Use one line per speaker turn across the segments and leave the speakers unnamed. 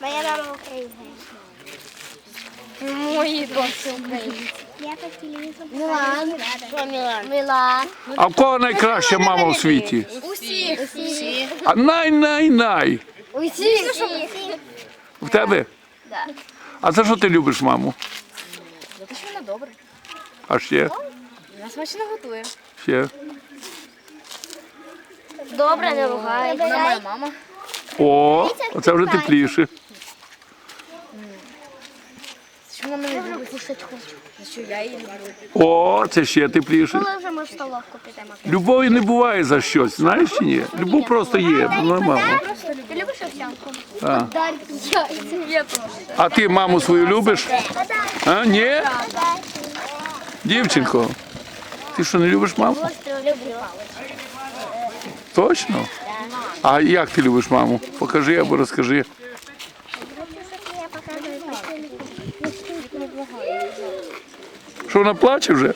Моя мама українка.
Мої дочки українці.
Я по телевізору.
Мілан. Що Мілан? Мілан.
А в кого найкраща мама у світі?
Усі.
А най-най-най.
Усі.
В тебе?
Да.
А за що ти любиш маму?
За те, що вона добра.
А ще?
Вона смачно готує.
Ще?
Добре, не ругає. Вона моя мама.
О, оце вже тепліше.
Що вона мене любить? Кушать хоче. За що я її люблю?
О, це ще тепліше.
Коли вже ми в столовку підемо?
Любові не буває за щось, знаєш чи ні? Любов просто є, нормально.
Ти любиш овсянку?
А.
Я теж.
А ти маму свою любиш? А, ні? Дівчинко, ти що, не любиш маму?
Люблю.
Точно? А як ти любиш маму? Покажи або розкажи.
Я показую.
Що, вона плаче вже?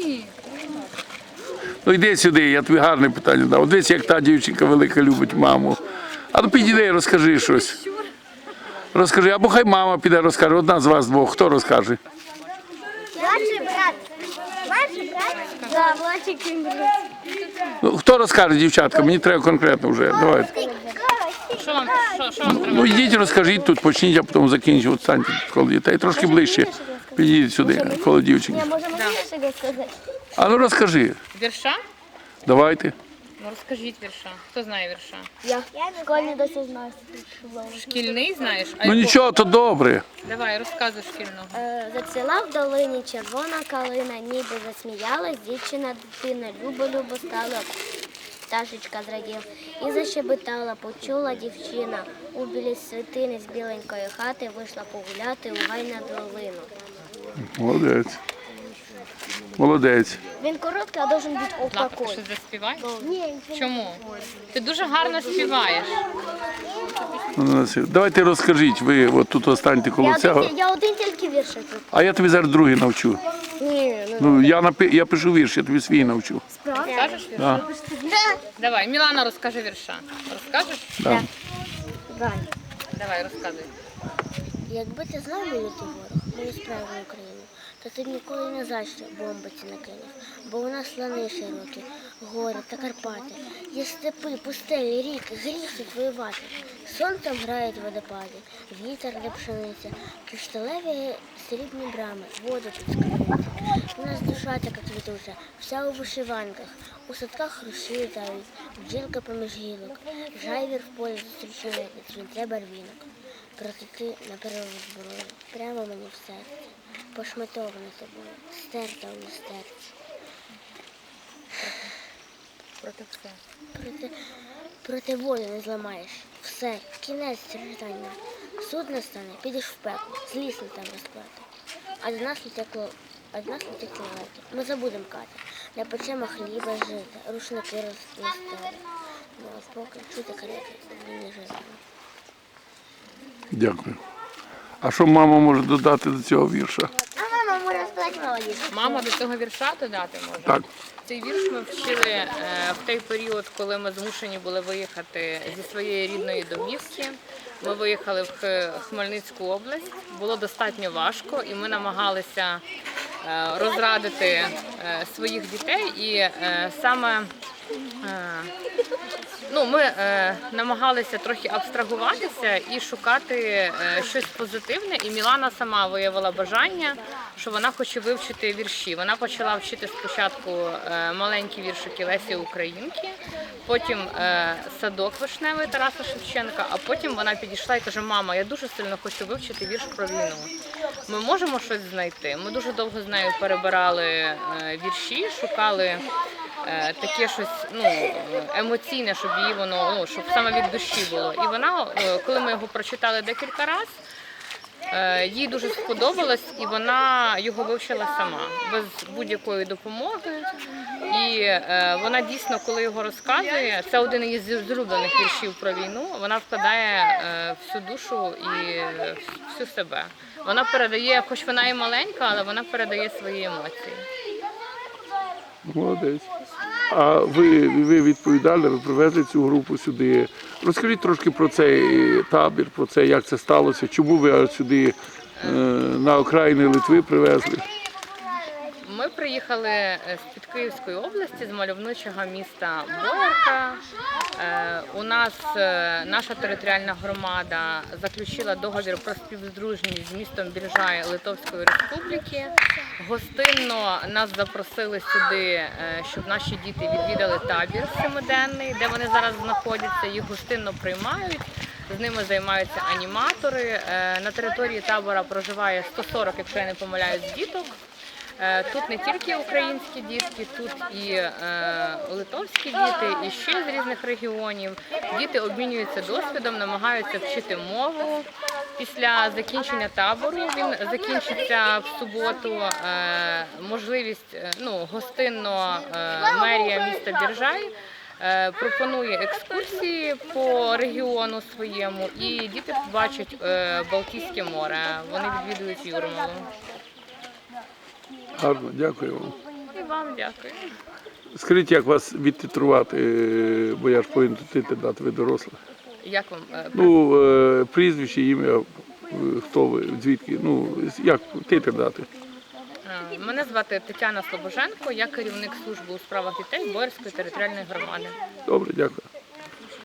Ну йди сюди, я тобі гарне питання дав. От дивись, як та дівчинка велика любить маму. А ну підійди, розкажи щось. Розкажи, або хай мама піде розкаже. Одна з вас двох. Хто розкаже?
Младший брат. Младший брат?
Да, младший брат.
Ну, хто розкаже, дівчатка? Мені треба конкретно вже. Давайте.
Що вам треба?
Ну йдіть, розкажіть тут, почніть, а потім закінчіть. От станьте коло дітей. Трошки ближче. Підійдіть сюди, коло дівчинки.
Можемо більше сказати?
А ну розкажи.
Вірша?
Давайте.
Ну розкажіть вірша. Хто знає вірша?
Я в школі досі знаю.
Шкільний знаєш? А
Ну
якого?
нічого, то добре.
Давай, розказуй шкільного.
Зацвіла в долині червона калина, ніби засміялась, дівчина дитина, любо-любо стала, пташечка зрадів. І защебетала, почула дівчина, у білій світини з біленької хати вийшла погуляти у гай на долину.
Молодець. Молодець.
Він короткий, а должен бути
Плакати,
такой.
щось заспіваєш?
Ні,
Чому? Ти дуже гарно співаєш.
Давайте розкажіть, ви от тут останьте коло цього.
я один тільки віршик.
А я тобі зараз другий навчу.
Ні,
Ну, я пишу вірш, я тобі свій навчу.
Розкажеш вірша?
Да.
Давай, Мілана розкаже вірша. Розкажеш?
Да.
Давай, розказуй.
Якби ти знав мою ти ворог, мою справу Україну, то ти б ніколи не за що бомбиці накинув. Бо у нас лани широкі, гори та Карпати. Є степи, пустелі, ріки, гріх тут воювати. Сонцем грають водопади, вітер для пшениці, кришталеві срібні брами, воду тут скривають. У нас душа така квітуча, вся у вишиванках, у садках руші літають, бджілка поміж гілок, жайвір в полі зустрічає від свинця барвінок. Проте ти на перерву зброю, прямо мені в серці, пошматована тобою, стерта у люстерці.
Проти все.
Проти волі не зламаєш. Все, кінець страждання. Суд настане, підеш в пекло, злісно там розплати. А до нас не текли лети. Ми забудемо кати, не печемо хліба жити, рушники розстали. Ну, а поки чути карети, не жити.
Дякую. А що мама може додати до цього вірша?
А мама може сказати молодець.
Мама до цього вірша додати може?
Так.
Цей вірш ми вчили в той період, коли ми змушені були виїхати зі своєї рідної домівки. Ми виїхали в Хмельницьку область. Було достатньо важко, і ми намагалися розрадити своїх дітей. І саме ми намагалися трохи абстрагуватися і шукати щось позитивне. І Мілана сама виявила бажання, що вона хоче вивчити вірші. Вона почала вчити спочатку маленькі віршики Лесі Українки, потім садок вишневий Тараса Шевченка, а потім вона підійшла і каже: мама, я дуже сильно хочу вивчити вірш про війну. Ми можемо щось знайти? Ми дуже довго з нею перебирали вірші, шукали таке щось емоційне, щоб її воно, щоб саме від душі було. І вона, коли ми його прочитали декілька разів, їй дуже сподобалось, і вона його вивчила сама, без будь-якої допомоги. І вона дійсно, коли його розказує, це один із зрублених віршів про війну, вона вкладає всю душу і всю себе. Вона передає, хоч вона і маленька, але вона передає свої емоції.
Молодець. А ви відповідали, ви привезли цю групу сюди. Розкажіть трошки про цей табір, про це, як це сталося, чому ви аж сюди на окраїни Литви привезли?
Ми приїхали з-під Київської області, з мальовничого міста Боярка. У нас наша територіальна громада заключила договір про співдружність з містом Біржай Литовської Республіки. Гостинно нас запросили сюди, щоб наші діти відвідали табір семиденний, де вони зараз знаходяться. Їх гостинно приймають. З ними займаються аніматори. На території табора проживає 140, якщо я не помиляюсь, діток. Тут не тільки українські дітки, тут і литовські діти, і ще з різних регіонів. Діти обмінюються досвідом, намагаються вчити мову. Після закінчення табору, він закінчиться в суботу, можливість, гостинно мерія міста Біржай пропонує екскурсії по регіону своєму, і діти побачать Балтійське море. Вони відвідують Юрмалу.
Гарно, дякую вам.
І вам дякую.
Скажіть, як вас відтитрувати, бо я ж повинен дати, ви доросла.
Як вам?
Прізвище, ім'я, хто ви, звідки, як титр дати?
Мене звати Тетяна Слобоженко, я керівник служби у справах дітей Боярської територіальної громади.
Добре, дякую.